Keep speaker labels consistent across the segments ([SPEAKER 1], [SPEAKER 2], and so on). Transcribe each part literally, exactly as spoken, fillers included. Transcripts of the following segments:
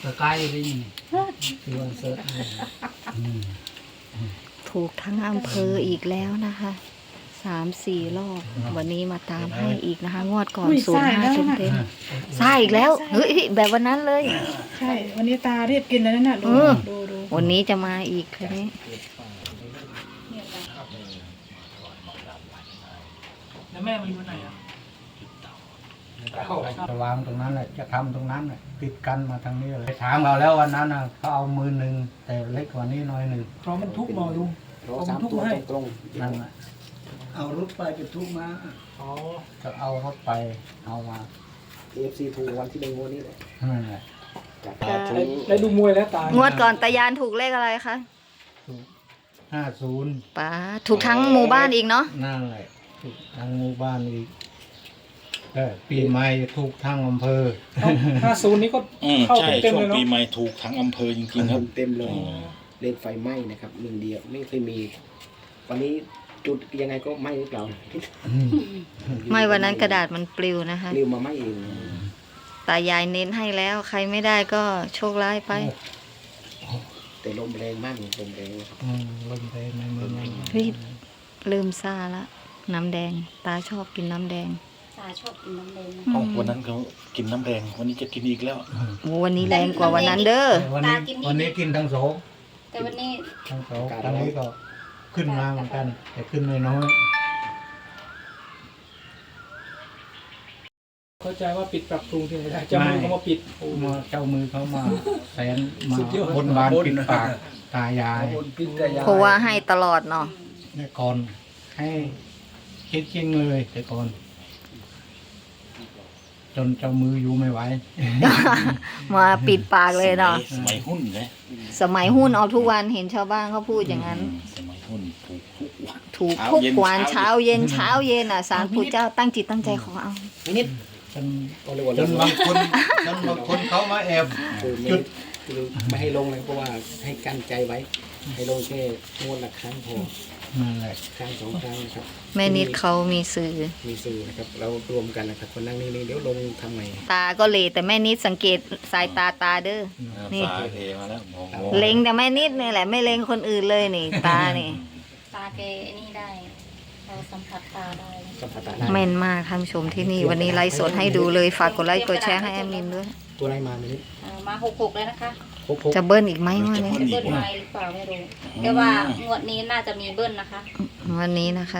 [SPEAKER 1] ตะไคร้ได้ยังที่วันเสาร์
[SPEAKER 2] ถูกทั้งอำเภออีกแล้วนะคะสามสี่รอบวันนี้มาตามให้อีกนะคะ งวดก่อนศูนย์ห้าเต็มเต็มใช่อีกแล้วเฮ้ยแบบวันนั้นเลย
[SPEAKER 3] ใช่วันนี้ตารีบกินแล้วนั่นน่ะดูดูดู
[SPEAKER 2] วันนี้จะมาอีกคืนนี้
[SPEAKER 3] แล้วแม่มาอยู่ไหนอ่ะ
[SPEAKER 1] จะวางตรงนั้นแหละจะทำตรงนั้นแหละติดกันมาทางนี้เลยถามเราแล้ววันนั้นนะเขาเอามือหนึ่งแต่เล็กกว่านี้น้อยหนึ่ง
[SPEAKER 3] เพราะมันทุกหมอลุง
[SPEAKER 4] เราสามตัวตรง
[SPEAKER 1] นั่นแหละเอารถไปไปทุกมา
[SPEAKER 3] อ๋อ
[SPEAKER 1] จะเอารถไปเอามา
[SPEAKER 4] เอฟซีถูกวันที่หนึ่งวันนี้เลย
[SPEAKER 1] นั่นแหละ
[SPEAKER 3] ได้ดูมวยแล้วตาง
[SPEAKER 2] วดก่อนตายานถูกเลขอะไรคะ
[SPEAKER 1] ห้าศูนย์
[SPEAKER 2] ป้าถูกทั้งหมู่บ้านอีกเนาะ
[SPEAKER 1] นั่นแหละถูกทางหมู่บ้านอีกเออปีใหม่ถูกทางอำเภอ
[SPEAKER 3] ห้าศูนย์นี้ก็
[SPEAKER 5] อืม
[SPEAKER 3] เข้า
[SPEAKER 5] ใช่
[SPEAKER 3] เต็ม
[SPEAKER 5] ช่ว
[SPEAKER 3] เล
[SPEAKER 5] ง
[SPEAKER 3] ยเนาะ
[SPEAKER 5] ปีใหม่ถูกทั้งอำเภอจริงๆครับ
[SPEAKER 4] เต็มเลยเล่นไฟไหม้นะครับหนึ่งเดียวไม่เคยมี วันนี้จุดยังไงก็ไหม้หรือเปล่า
[SPEAKER 2] ไม่วันนั้นกระดาษมันปลิวนะคะ
[SPEAKER 4] เรียวมาไหม้เอง
[SPEAKER 2] ตายายเน้นให้แล้วใครไม่ได้ก็โชคร้ายไป
[SPEAKER 4] แต่ลมแรงมากลมแรง
[SPEAKER 1] อืมลมแรงในเมืองเรา
[SPEAKER 2] เฮ้ยลืมซาละน้ำแดง ตาชอบกินน้ำแดง
[SPEAKER 6] ตาชอบกินน้ำแดง
[SPEAKER 5] อ๋อวันนั้นเขากินน้ำแดงวันนี้จะกินอีกแล้ว
[SPEAKER 2] โอ้วันนี้แรงกว่าวันนั้นเด้อ
[SPEAKER 1] วันนี้วันนี้กินทั้งสอง
[SPEAKER 6] แต่วันนี้
[SPEAKER 1] ทั้งสองตอนนี้ก็ขึ้นมาเหมือนกัน แต่ขึ้นไม่น้อย
[SPEAKER 3] เข้าใจว่าปิดปรับปรุงที่ไหนได้จะมือเขามาปิดโอ้
[SPEAKER 1] มาเจ้ามือเขามาแสนมา
[SPEAKER 3] สุดยอด
[SPEAKER 1] บนบานปิดปากตายาย
[SPEAKER 2] เพราะว่าให้ตลอดเนาะ
[SPEAKER 1] แต่ก่อนให้คิดจริงเลยแต่ก่อน จนเจ้ามืออยู่ไม่ไหว
[SPEAKER 2] มาปิดปากเลยเนาะ
[SPEAKER 5] สมัยหุ้นนะ
[SPEAKER 2] สมัยหุ้นเอาทุกวันเห็นชาวบ้านเขาพูดอย่างนั้น
[SPEAKER 5] อืมสมัยหุ้นถูกทุกวัน
[SPEAKER 2] ถูกทุกวันเช้าเย็นเช้าเย็นอ่ะสารปู่เจ้าตั้งจิตตั้งใจขอเอา
[SPEAKER 4] ไม่นิด
[SPEAKER 1] จน
[SPEAKER 4] ก็เลยว่า
[SPEAKER 1] จนบางคนจนบางคนเขามาแอบ
[SPEAKER 4] คือไม่คือไม่ให้ลงเลยเพราะว่าให้กั้นใจไว้ ให้ลงแค่งวดละครั้งพอ
[SPEAKER 1] นั่นแหละ
[SPEAKER 4] ครั้งสองครั้งนะครับ
[SPEAKER 2] แม่นิดเขามีสื่อ
[SPEAKER 4] มีสื่อนะครับเรารวมกันนะครับคนนั่งนี่ๆเดี๋ยวลงทำใหม่
[SPEAKER 2] ตาก็เหลแต่แม่นิดสังเกตสายตาตาเด้อ นี่
[SPEAKER 5] สายเทมาแล้วมอง
[SPEAKER 2] เล็งแต่แม่นิดนี่แหละไม่เล็งคนอื่นเลยนี่ ตานี่
[SPEAKER 6] ตาแกนี่ได้เราสัมผัสตาได้
[SPEAKER 4] สัมผัสได้
[SPEAKER 2] แม่นมากท่านผู้ชมที่นี่วันนี้ไลฟ์สดให้ดูเลยฝากกดไลค์กดแชร์ให้แอมมินด้วย
[SPEAKER 4] ตัวอะไรมาไม่นิด
[SPEAKER 6] เอ่อมาหกหกแล้วนะคะ
[SPEAKER 4] หกหก
[SPEAKER 2] จะเบิ้ลอีกไหมวันนี้
[SPEAKER 6] จะเบิ้ลไหมหรือเปล่าไม่รู้แต่ว่างวดนี้น่าจะมีเบิ้ลนะคะ
[SPEAKER 2] วันนี้นะคะ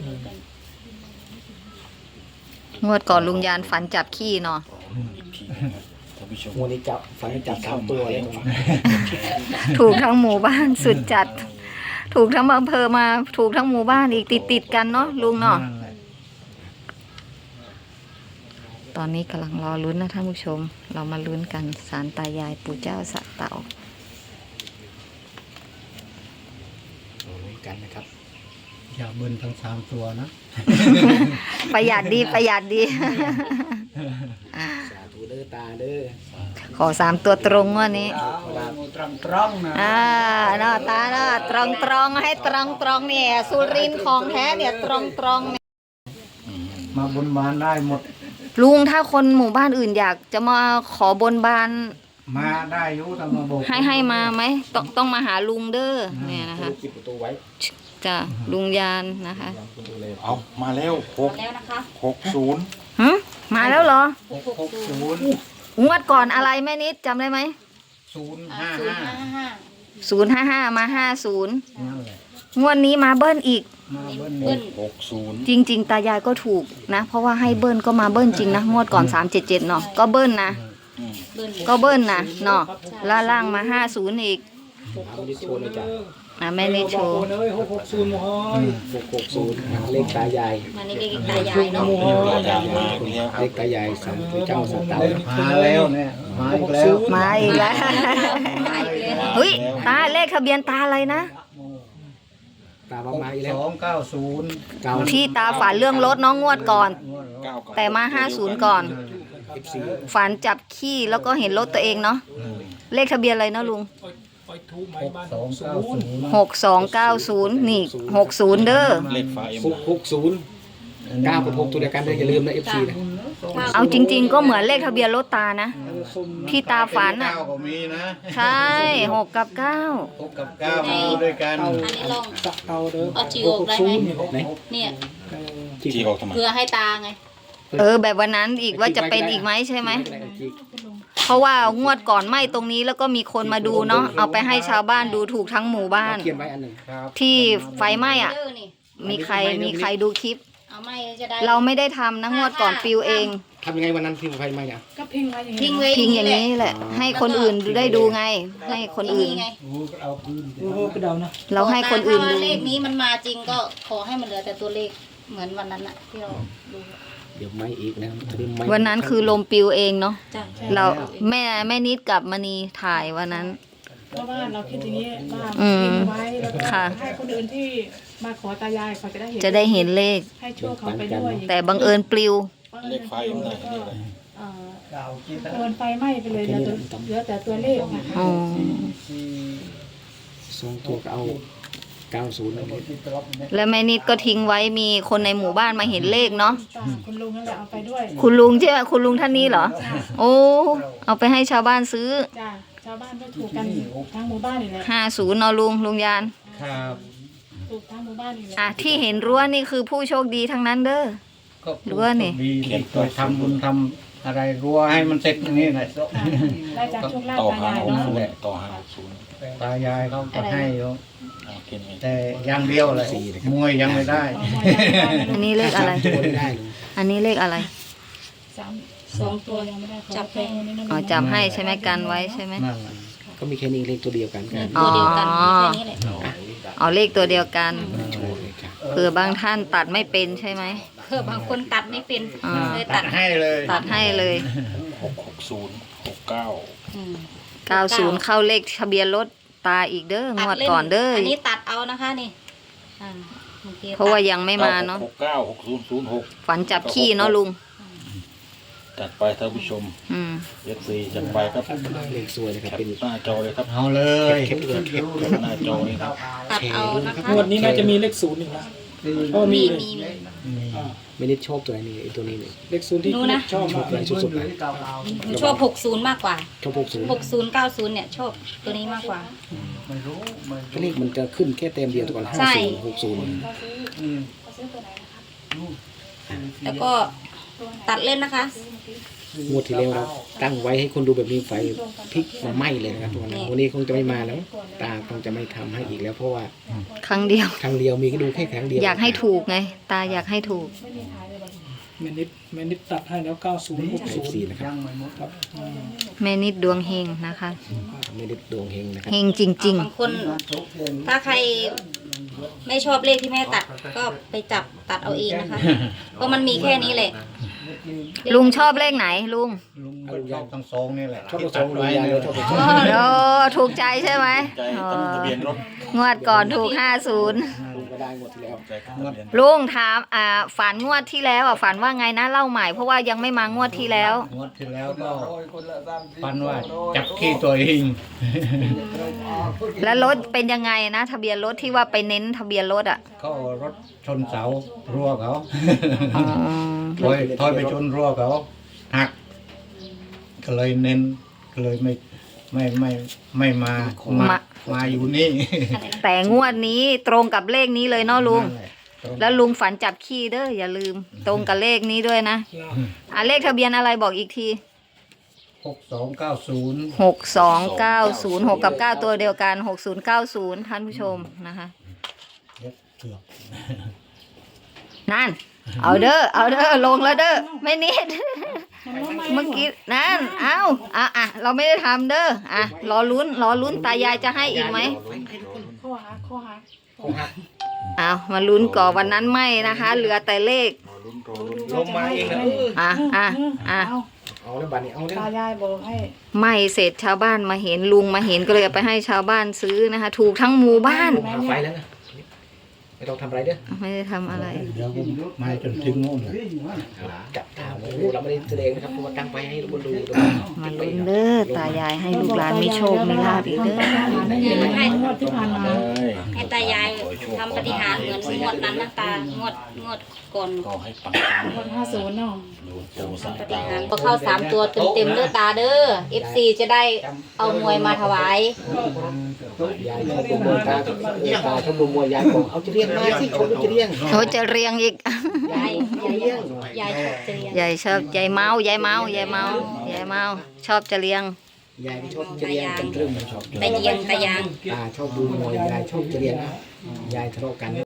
[SPEAKER 2] งวดก่อนลุงยานฝันจับขี้เนาะ
[SPEAKER 5] ท่านผู้ชม
[SPEAKER 4] งวดนี้จับฝันให้จับสามตัวเลย
[SPEAKER 2] ถูกทั้งหมู่บ้านสุดจัด ถูกทั้งอำเภอมาถูกทั้งหมู่บ้านอีกติดติดๆกันเนาะลุงเนาะ
[SPEAKER 1] นั่นแหละ
[SPEAKER 2] ตอนนี้กำลังรอลุ้นนะท่านผู้ชม เรามาลุ้นกันศาลตายายปู่เจ้าสะเต่า
[SPEAKER 4] โอ้ยกันนะครับ
[SPEAKER 1] อย่าเบิ้ลทั้งสามตัวนะ
[SPEAKER 2] ประหยัดดีประหยัดดี
[SPEAKER 4] สาธุเด้อตาเด้อ
[SPEAKER 2] ขอสามตัวตรงวันนี้
[SPEAKER 1] ตรงตรงนะ
[SPEAKER 2] อ่าเนาะตาเนาะตรงตรงให้ตรงตรงเนี่ยสุรินทร์ของแท้เนี่ยตรงตรงเนี่ย
[SPEAKER 1] มาบนบานได้หมด
[SPEAKER 2] ลุงถ้าคนหมู่บ้านอื่นอยากจะมาขอบนบาน
[SPEAKER 1] มาได้อยุแต่มาบอก
[SPEAKER 2] ให้ให้มาไหมต้องต้องมาหาลุงเด้อเนี่ยนะคะ
[SPEAKER 4] ปิดประตูไว้
[SPEAKER 2] จ้ะลุงยานนะคะ
[SPEAKER 5] เอามาแล้วหก
[SPEAKER 6] มาแล้วนะคะ
[SPEAKER 5] หกศูนย์
[SPEAKER 2] หึมาแล้วเหรอ
[SPEAKER 1] หกหกศูนย์
[SPEAKER 2] งวดก่อนอะไรแม่นิดจำได้ไหม
[SPEAKER 1] ศูนย์
[SPEAKER 6] อ่า
[SPEAKER 1] ห้า
[SPEAKER 6] ศูนย์
[SPEAKER 1] ห้า
[SPEAKER 6] ห้าห้า
[SPEAKER 2] ศูนย์ห้าห้ามาห้าศูนย์
[SPEAKER 1] นั่นแหละ
[SPEAKER 2] งวดนี้มาเบิ้ลอีก
[SPEAKER 1] มาเบิ้ล
[SPEAKER 6] เบิ้ล
[SPEAKER 5] หกศูนย์
[SPEAKER 2] จริง ๆ ตายายก็ถูกนะ เพราะว่าให้เบิ้ลก็มาเบิ้ลจริงนะงวดก่อนสามเจ็ดเจ็ดเนาะก็เบิ้ลนะ
[SPEAKER 6] เบิ้ล
[SPEAKER 2] ก็เบิ้ลนะเนาะล่าล่างมาห้าศูนย์อีก
[SPEAKER 4] เอาดิโชว์เลยจ้ะ
[SPEAKER 2] อ่ะแม่นิดโชว์
[SPEAKER 3] บอกเลยหกหกศูนย์หมอย
[SPEAKER 4] หกหกศูนย์เลขตายาย
[SPEAKER 6] มานี่เลขตายายเนาะ
[SPEAKER 5] ตายายมาอีกแล้วค
[SPEAKER 4] เล
[SPEAKER 5] รับ
[SPEAKER 4] ขตายายสามตัวเจ้าสตาร์
[SPEAKER 1] มาแล้วเนี่ยมาอีกแล้ว
[SPEAKER 2] มาอีกแล้ว
[SPEAKER 6] มาอีกแล้ว
[SPEAKER 2] เฮ้ยตาเลขทะเบียนตาอะไรนะ
[SPEAKER 4] ตา
[SPEAKER 1] ห
[SPEAKER 4] มาก มาอีกแล้
[SPEAKER 1] ส
[SPEAKER 4] ว
[SPEAKER 1] องเก้าศูนย์
[SPEAKER 4] เก้า
[SPEAKER 2] ที่ตาฝันเรื่องรถน้องงวดก่อน
[SPEAKER 5] เก้ากับ
[SPEAKER 2] แต่มาห้าศูนย์ก่อน
[SPEAKER 4] เอฟซี
[SPEAKER 2] ฝันจับขี้แล้วก็เห็นรถตัวเองเนาะเลขทะเบียนอะไรนะลุง
[SPEAKER 3] ไปทูบไม้
[SPEAKER 1] หก
[SPEAKER 3] บ้าน
[SPEAKER 1] สองเก้าศูนย์
[SPEAKER 2] หกสองเก้าศูนย์นี่หกศูนย์เด้อ
[SPEAKER 5] เลขฟ้าเอ็ม
[SPEAKER 4] หกหกศูนย์เก้ากับหกตัวเดียวกันเลยอย่าลืมนะเอฟซีนะ
[SPEAKER 2] เอาจริง ๆ ก็เหมือนเลขทะเบียนรถตานะ
[SPEAKER 4] เออ
[SPEAKER 3] ซุ่ม
[SPEAKER 2] ที่ตาฝันอ่ะ
[SPEAKER 1] เก้าก็มีนะ
[SPEAKER 2] ใช่หกกับเก้า
[SPEAKER 1] หกกับเก้ามาดูด้วยกัน
[SPEAKER 3] เตา
[SPEAKER 6] อันนี้ลอง
[SPEAKER 3] ตะเตาเด้อ
[SPEAKER 6] เอาจีโอได้ไหม
[SPEAKER 4] ไหน
[SPEAKER 6] เนี่ย
[SPEAKER 3] เออ
[SPEAKER 5] จีออกทำไม
[SPEAKER 6] เพื่อให้ตาไง
[SPEAKER 2] เออ แบบวันนั้นอีกว่าจะเป็นอีกไหมใช่ไหม เพราะว่างวดก่อนไหม้ตรงนี้แล้วก็มีคนมาดูเนาะเอาไปให้ชาวบ้านดูถูกทั้งหมู่บ้าน
[SPEAKER 4] เขียนไว้อันหนึ่ง
[SPEAKER 1] ครับ
[SPEAKER 2] ที่ไฟไหม้อ่ะ
[SPEAKER 6] เด้อนี่
[SPEAKER 2] มีใครมีใครดูคลิป
[SPEAKER 6] เอาไม่จะได้
[SPEAKER 2] เราไม่ได้ทำนะงวดก่อนปิวเอง
[SPEAKER 4] ทำยังไงวันนั้นที่ไฟไหม้เนี่ย
[SPEAKER 7] ก็พิงไว้อย่าง
[SPEAKER 6] ทิ้
[SPEAKER 7] นี้
[SPEAKER 6] งไว้
[SPEAKER 2] พิงอย่าง
[SPEAKER 6] นี้
[SPEAKER 2] นี้แหละ ให้คนอื่นได้ดูไง ให้คนอื่น
[SPEAKER 6] ไง
[SPEAKER 1] เอาพื้น
[SPEAKER 3] โอ้โหกระเดานะ
[SPEAKER 2] เราให้คนอื่น
[SPEAKER 6] ถ้า
[SPEAKER 2] ดู
[SPEAKER 6] ว่าเลขนี้มันมาจริงก็ขอให้มันเหลือแต่ตัวเลขเหมือนวันนั้นอะที่เราดู
[SPEAKER 4] เดี๋ยวไหม้อีกนะครับจะได้ไหม้
[SPEAKER 2] วันนั้นคือลมปิวเองเนาะ
[SPEAKER 6] จ้ะ
[SPEAKER 2] เราแม่แม่นิดกับมณีถ่ายวันนั้น
[SPEAKER 7] เพราะว่าเราคิดอย่างนี้ว่า
[SPEAKER 2] อืม
[SPEAKER 7] พิงไว้แล้วก็
[SPEAKER 2] ค่ะ
[SPEAKER 7] ให้คนอื่นที่มาขอตายายเขาจะได้เห็น
[SPEAKER 2] จะได้เห็นเลข
[SPEAKER 7] ให้ช่วยเขาไปด้วย
[SPEAKER 2] แต่บังเอิญปลิว
[SPEAKER 5] เลขไฟมันไหนนี่เลย
[SPEAKER 7] เอ่อ
[SPEAKER 1] เก้าคิด
[SPEAKER 7] โดนไฟไหม้ไปเลยเหลือแต่เหลือแต่ตัวเลขนะคะ
[SPEAKER 2] อ๋อ
[SPEAKER 1] สี่
[SPEAKER 4] สองตัวก็เอาเก้าศูนย์
[SPEAKER 1] ที่ตรอบเนี่ย
[SPEAKER 2] แล้วแม่นิดก็ทิ้งไว้มีคนในหมู่บ้านมาเห็นเลขเนาะ
[SPEAKER 7] จ้าคุณลุงนั่นแหละเอาไปด้วย
[SPEAKER 2] คุณลุงใช่ไหมคุณลุงท่านนี้เหรอ โอ้เอาไปให้ชาวบ้านซื้อ
[SPEAKER 7] จ้าชาวบ้านก็ถูกกันทั้งหมู่บ้านนี่แหละ
[SPEAKER 2] ห้าศูนย์เนาะลุงลุงยาน
[SPEAKER 1] ครับ
[SPEAKER 7] ถูกทั้งหมู่บ้านนี่แหละ
[SPEAKER 2] อ่ะที่เห็นรั้วนี่คือผู้โชคดีทั้งนั้นเด้อ
[SPEAKER 1] ก็
[SPEAKER 2] รั้วนี่
[SPEAKER 1] ดีที่เคยทำบุญทำอะไรรั้วให้มันเสร็จอย่างนี้แหละ
[SPEAKER 7] ได้จากโชคลาภ
[SPEAKER 5] ต่อ
[SPEAKER 7] ตา
[SPEAKER 5] หาย
[SPEAKER 7] าย
[SPEAKER 5] หก
[SPEAKER 7] เนาะ
[SPEAKER 5] ศูนย์ต่อหาหกศูนย์
[SPEAKER 1] ตายายเขาก็ให้อยู่
[SPEAKER 5] เอาเขียนไง
[SPEAKER 1] แต่อย่างเดียวเลยมวยยังไม่ได้
[SPEAKER 2] อันนี้เลขอะไร
[SPEAKER 4] ตัวไม่ได้เลย
[SPEAKER 2] อันนี้เลขอะไร
[SPEAKER 7] สาม
[SPEAKER 6] สองตัว
[SPEAKER 7] ยังไม่ได้ขอ
[SPEAKER 6] จับให้
[SPEAKER 7] แค่นี้นะ
[SPEAKER 2] อ๋อจำให้ใช่ไหมกันไว้ใช่ไหม
[SPEAKER 1] นั่นแหละ
[SPEAKER 4] ก็มีแค่นี้เลขตัวเดียวกันกัน
[SPEAKER 2] อ๋อ
[SPEAKER 6] ตัวเดียวกันมีแค่นี้แหละ
[SPEAKER 2] เอาเลขตัวเดียวกัน
[SPEAKER 4] โชว์เลยครับ
[SPEAKER 2] เผื่อบางท่านตัดไม่เป็นใช่ไหม
[SPEAKER 6] เพื่อบางคนตัดไม่เป็น
[SPEAKER 2] อ่า
[SPEAKER 6] เลย
[SPEAKER 1] ตั
[SPEAKER 6] ตั
[SPEAKER 1] ด
[SPEAKER 6] ด
[SPEAKER 1] ให้เลย
[SPEAKER 2] ตัดให้เลย
[SPEAKER 5] หกหกศูนย์หกเก้า
[SPEAKER 6] อืม
[SPEAKER 2] เก้าศูนย์เข้าเลขทะเบียนรถตาอีกเด้องวดก่อนเด้อ
[SPEAKER 6] อันนี้ตัดเอานะคะนี่อ่าโอค
[SPEAKER 2] เพราะว่ายังไม่มาเนาะ
[SPEAKER 5] หกเก้าหกศูนย์ศูนย์หก
[SPEAKER 2] ฝันจับขี้เนาะลุง
[SPEAKER 5] จัดไปท่านผู้ชม
[SPEAKER 2] อืม
[SPEAKER 5] เอฟซีจัดไปครับ
[SPEAKER 4] เลขสวยนะครับ
[SPEAKER 5] แคป
[SPEAKER 4] เป็น
[SPEAKER 5] หน้าจอเลยครับ
[SPEAKER 1] เอาเลย
[SPEAKER 4] เข็มเข็มเข็ม
[SPEAKER 5] แคปหน้าจอเลยครับ
[SPEAKER 6] ตัดเอานะคะ
[SPEAKER 3] งวดนี้น่าจะมีเลขศูนย์อีกนะเพราะว่ามี
[SPEAKER 6] มี
[SPEAKER 3] เลย
[SPEAKER 6] มีมี
[SPEAKER 3] อ่า
[SPEAKER 4] ไม่ได้ชอบตัวนี้ไอ้ตัวนี้เลย
[SPEAKER 3] เลขศูนย์ที่
[SPEAKER 6] ดูนะ
[SPEAKER 3] ชอบมาก
[SPEAKER 4] ตัวนี้สุดๆเลย
[SPEAKER 6] หนูชอบหกศูนย์มากกว่า
[SPEAKER 4] ชอบหกศูนย์
[SPEAKER 6] หกศูนย์เก้าศูนย์เนี่ยชอบตัวนี้มากกว่า
[SPEAKER 1] ไม่รู้ไม่
[SPEAKER 4] เลขมันจะขึ้นแค่เต็มเดียวตัวก่อนห้า
[SPEAKER 6] ใช่
[SPEAKER 4] ศูนย์หกศูนย์
[SPEAKER 1] อืม
[SPEAKER 6] แล้วก็ตัดเล่นนะคะ
[SPEAKER 4] งวดที่แล้วเราตั้งไว้ให้คนดูแบบนี้ไฟพลิกมาไหม้เลยนะครับทุกคนวันนี้คงจะไม่มาแล้ว ตาคงจะไม่ทำให้อีกแล้ว เพราะว่า
[SPEAKER 2] ครั้งเดียว
[SPEAKER 4] ครั้งเดียวมีก็ดูแค่ครั้งเดียว
[SPEAKER 2] อยากให้ถูกไง ตาอยากให้ถูก
[SPEAKER 3] แมนิดแมนิดตัดให้แล้วเก้าศูนย์หกศูนย์
[SPEAKER 4] สี่นะครับ
[SPEAKER 1] ยังไม่หมด
[SPEAKER 3] ครับอืม
[SPEAKER 2] แม่นิดดวงเฮงนะคะ
[SPEAKER 4] ไม่ได้ดวงเฮงนะครับ
[SPEAKER 2] เฮงจริง
[SPEAKER 6] บางคน ถ้าใครไม่ชอบเลขที่แม่ตัด ก็ไปจับตัดเอาเองนะคะ เพราะมันมีแค่นี้แหละ
[SPEAKER 2] ๆ ลุงชอบเลขไหนลุง
[SPEAKER 1] ลุงก็ชอบทั้งสองนี่แหละ
[SPEAKER 4] ชอบตัวสองเลยยาเลยชอบตัวสอง
[SPEAKER 2] โอ้ถูกใจใช่ไหม
[SPEAKER 5] ใจ
[SPEAKER 2] อ๋อ
[SPEAKER 5] ตั้งทะเบียนรถ
[SPEAKER 2] งวดก่อนถูกห้าศูนย์
[SPEAKER 4] ลุงก็ได้งวดที่แล้ว
[SPEAKER 5] ใจตั้งทะเบียนรถ
[SPEAKER 2] ลุงถามอ่าฝันงวดที่แล้วอ่ะฝันว่าไงนะเล่าใหม่เพราะว่ายังไม่มางวดที่แล้ว
[SPEAKER 1] งวดที่แล้วก็ปันว่าจับขี้ตัวเอง
[SPEAKER 2] แล้วรถเป็นยังไงนะ ทะเบียนรถที่ว่าไปเน้นทะเบียนรถอ่ะ
[SPEAKER 1] ก็รถชนเสารั้วเขา
[SPEAKER 2] อ๋อ
[SPEAKER 1] ถอยถอยไปชนรั้วเขาหัก ก็เลยเน้นก็เลยไม่ไม่ไม่ไม่มามามาอยู่นี่
[SPEAKER 2] แต่งวดนี้ตรงกับเลขนี้เลยเนาะลุง
[SPEAKER 1] นั่นแหละตรง
[SPEAKER 2] แล้วลุงฝันจับขี้เด้ออย่าลืม ตรงกับเลขนี้ด้วยนะ
[SPEAKER 3] แล้ว
[SPEAKER 2] อ่ะเลขทะเบียนอะไรบอกอีกที
[SPEAKER 1] หกสองเก้าศูนย์
[SPEAKER 2] หกสองเก้าศูนย์หกกับเก้าตัวเดียวกันหกศูนย์เก้าศูนย์ท่านผู้ชมนะคะ
[SPEAKER 1] เถือก
[SPEAKER 2] นั่น เอาเด้อเอาเด้อลงแล้วเด้อไม่นิด เมื่อกี้นั่นเอาอ่ะอ่ะเราไม่ได้ทำเด้ออ่ะรอลุ้นรอลุ้นตายายจะให้อีกไหม
[SPEAKER 7] ข้อหาข้อหา
[SPEAKER 2] เอามาลุ้นก่อนวันนั้นไม่นะคะ เหลือแต่เลข
[SPEAKER 1] ลงมาเองนะ
[SPEAKER 2] อ่ะอ่ะอ่ะ
[SPEAKER 7] เอา
[SPEAKER 4] เอาแล้วบัตรนี้เอาแล้ว
[SPEAKER 7] ตายายบอกให้
[SPEAKER 2] ไม่เสร็จชาวบ้านมาเห็นลุงมาเห็นก็เลยเอาไปให้ชาวบ้านซื้อนะคะ ถูกทั้งหมู่บ้าน
[SPEAKER 4] ผมหาไฟแล้วนะไม่ต้องทำอะไรเด้อ
[SPEAKER 2] ไม่ได้ทำอะไร
[SPEAKER 1] เดี๋ยวผมมาจนถึงโน่นเลย
[SPEAKER 4] จับถามลูกเราไม่ได้แสดงนะครับเพราะว่าตั้งไปให้คนดู
[SPEAKER 2] มาลุ้นเด้อตายายให้ลูกหลานมีโชคมีลาภอีกเด้อ
[SPEAKER 7] ได้ยินไหมงวดที่ผ่านมา
[SPEAKER 6] ให้ตายายทำปฏิหารย์เหมือนงวดนั้นนะตางวดงวดก่อน
[SPEAKER 5] ก็ให้ปัง
[SPEAKER 7] งวดห้าศูนย์เนาะ
[SPEAKER 5] ดูปูสาย
[SPEAKER 6] ปฏิหารย์พอเข้าสามตัวเต็มๆเด้อตาเด้อ เอฟ ซี จะได้เอามวยมาถวาย
[SPEAKER 4] ยายชอบดูมวยตาตาชอบดูมวยยายบอกเอาจะเรียงมาสิเขาจะเรียง
[SPEAKER 2] เขาจะเรียงอีก
[SPEAKER 6] ยายยายยายชอบเจริญ
[SPEAKER 2] ยายชอบยายเมายายเมายายเมายายเมาชอบจะเลี้ยง
[SPEAKER 4] ยายชอบจะเรียงกันตรึมชอบ
[SPEAKER 6] ตะเยียงตะยาง
[SPEAKER 4] ตาชอบดูมวยยายชอบจะเรียงนะยายทะเลาะกัน